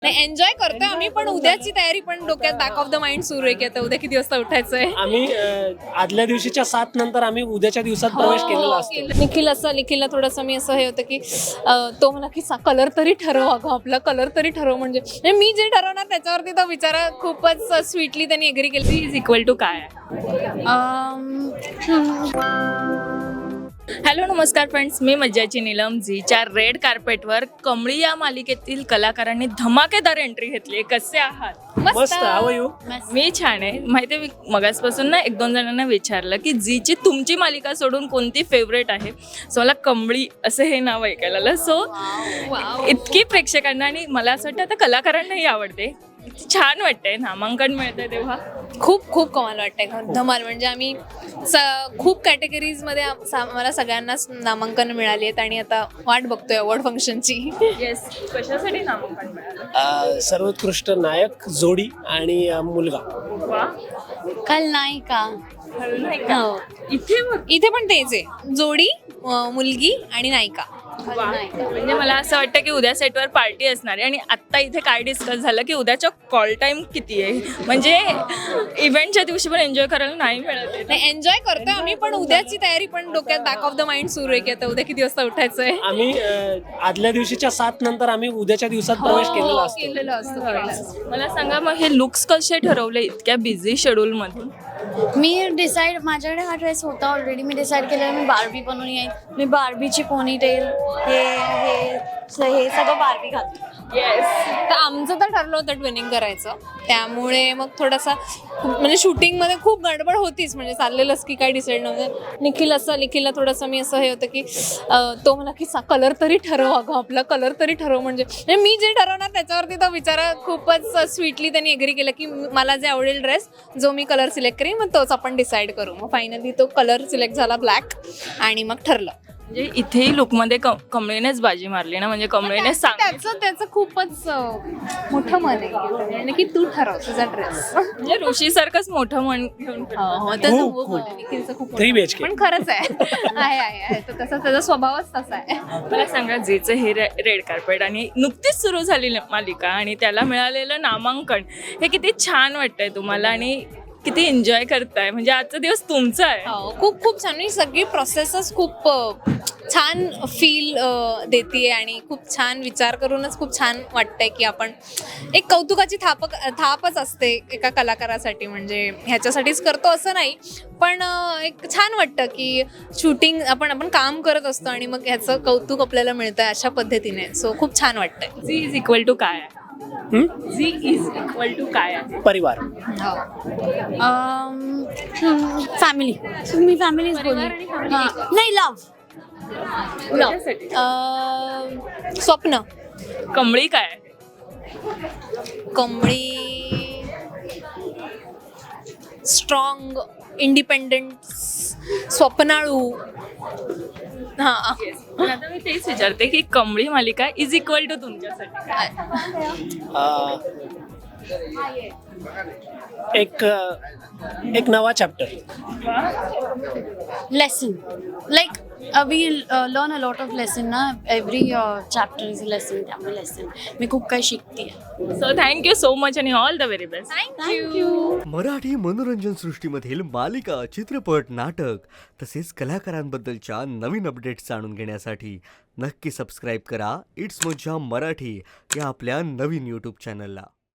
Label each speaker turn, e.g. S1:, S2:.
S1: नाही एन्जॉय करतोय आम्ही, पण उद्याची तयारी पण डोक्यात बॅक ऑफ द माइंड सुरू आहे की आता उद्या किती वाजता उठायचंय.
S2: आम्ही आदल्या दिवशीच्या 7 नंतर आम्ही उद्याच्या दिवसात प्रवेश केलेला असतो.
S1: निखिलला थोडंसं मी असं हे होतं की तो मला की कलर तरी ठरव, अगं आपला कलर तरी ठरव. म्हणजे मी जे ठरवणार त्याच्यावरती तो बिचारा खूपच स्वीटली त्यांनी एग्री केली.
S3: इज इक्वल टू काय? हॅलो नमस्कार फ्रेंड्स, मी मज्जाची नीलम. झीच्या रेड कार्पेटवर कमळी या मालिकेतील कलाकारांनी धमाकेदार एंट्री घेतली. कसे आहात?
S2: मस्त. How you?
S3: मी छान आहे. माहिती आहे, मी मगासपासून ना 1-2 जणांना विचारलं की झीची तुमची मालिका सोडून कोणती फेवरेट आहे. सो मला कमळी असं हे नाव ऐकायला आलं. सो इतकी प्रेक्षकांना आणि मला असं वाटतं आता कलाकारांनाही आवडते. किती छान वाटतंय नामांकन मिळतंय तेव्हा.
S1: खूप खूप कमाल वाटतंय, धमाल. म्हणजे आम्ही खूप कॅटेगरीजमध्ये आम्हाला सगळ्यांनाच नामांकन मिळाली आहेत आणि आता वाट बघतोय अवॉर्ड फंक्शनची.
S3: येस, कशासाठी नामांकन मिळालं?
S2: सर्वोत्कृष्ट नायक, जोडी आणि मुलगा.
S3: वा,
S1: खलनायिका.
S3: हो.
S1: इथे पण तेच आहे, जोडी, मुलगी आणि नायिका.
S3: म्हणजे मला असं वाटतं की उद्या सेटवर पार्टी असणार आहे. आणि आत्ता इथे काय डिस्कस झालं की उद्याच्या कॉल टाइम किती आहे. म्हणजे इव्हेंटच्या दिवशी पण एन्जॉय करायला नाही मिळत आहे.
S1: नाही एन्जॉय करतोय आम्ही, पण उद्याची तयारी पण डोक्यात बॅक ऑफ द माइंड सुरू आहे की आता उद्या किती वाजता उठायचंय.
S2: आम्ही आदल्या दिवशीच्या 7 नंतर आम्ही उद्याच्या दिवसात प्रवेश केलेला असतो.
S3: मला सांगा, मग हे लुक्स कसे ठरवले इतक्या बिझी शेड्यूल मधून?
S4: मी डिसाईड, माझ्याकडे हा ड्रेस होता ऑलरेडी. मी डिसाईड केलं मी बार्बी बनवून येईन. मी बार्बीची पोनीटेल हे सगळं बार्बी घालतो.
S3: येस.
S1: तर आमचं तर ठरलं होतं ट्विनिंग करायचं, त्यामुळे मग थोडासा म्हणजे शूटिंगमध्ये खूप गडबड होतीच. म्हणजे चाललेलंच की काय डिसाईड नव्हतं. निखिलला थोडंसं मी असं हे होतं की तो मला की कलर तरी ठरव, अगं आपला कलर तरी ठरव. म्हणजे मी जे ठरवणार त्याच्यावरती तो बिचारा खूपच स्वीटली त्यांनी एग्री केलं की मला जे आवडेल ड्रेस, जो मी कलर सिलेक्ट करीन मग तोच आपण डिसाईड करू. मग फायनली तो कलर सिलेक्ट झाला ब्लॅक आणि मग ठरलं.
S3: म्हणजे इथेही लुकमध्ये कमळीनेच बाजी मारली ना. म्हणजे कमळीने
S1: त्याचं खूपच मोठं मन आहे की तू ठरव तुझा ड्रेस.
S3: म्हणजे ऋषी सारखंच मोठं मन घेऊन
S1: खूप
S2: 3 BHK.
S1: पण खरंच आहे तर तसा त्याचा स्वभावच तसा आहे.
S3: मला सांगा, जेचं हे रेड कार्पेट आणि नुकतीच सुरू झालेली मालिका आणि त्याला मिळालेलं नामांकन, हे किती छान वाटतंय तुम्हाला आणि किती एन्जॉय करताय? म्हणजे आजचा दिवस तुमचा आहे.
S1: खूप खूप छान. सगळी प्रोसेसच खूप छान फील देते आणि खूप छान विचार करूनच खूप छान वाटतंय की आपण एक कौतुकाची थापच असते एका कलाकारासाठी. म्हणजे ह्याच्यासाठीच करतो असं नाही, पण एक छान वाटतं की शूटिंग आपण काम करत असतो आणि मग ह्याचं कौतुक आपल्याला मिळतं अशा पद्धतीने. सो खूप छान वाटतंय.
S3: झी इज इक्वल टू काय आहे? झी इज इक्वल टू काय आहे?
S2: परिवार.
S4: फॅमिली. मी फॅमिलीच बोलली. नाही,
S1: स्वप्न.
S3: कमळी काय आहे?
S1: कमळी स्ट्रॉंग, इंडिपेंडंट, स्वप्नाळू.
S3: आता मी तेच विचारते की कमळी मालिका इज इक्वल टू तुमच्यासाठी काय?
S2: एक नवा chapter.
S4: Lesson. Like we learn a lot of lesson ना. Every chapter is a lesson. त्यामुळे लेसन मी खूप काही शिकते.
S3: सो थँक्यू सो मच आणि all the very best.
S4: Thank you.
S5: Marathi मनोरंजन सृष्टीमधील मालिका, चित्रपट, नाटक तसेच कलाकारांबद्दलच्या नवीन अपडेट्स जाणून घेण्यासाठी नक्की सबस्क्राईब करा इट्स मज्जा मराठी या आपल्या नवीन यूट्यूब चॅनलला.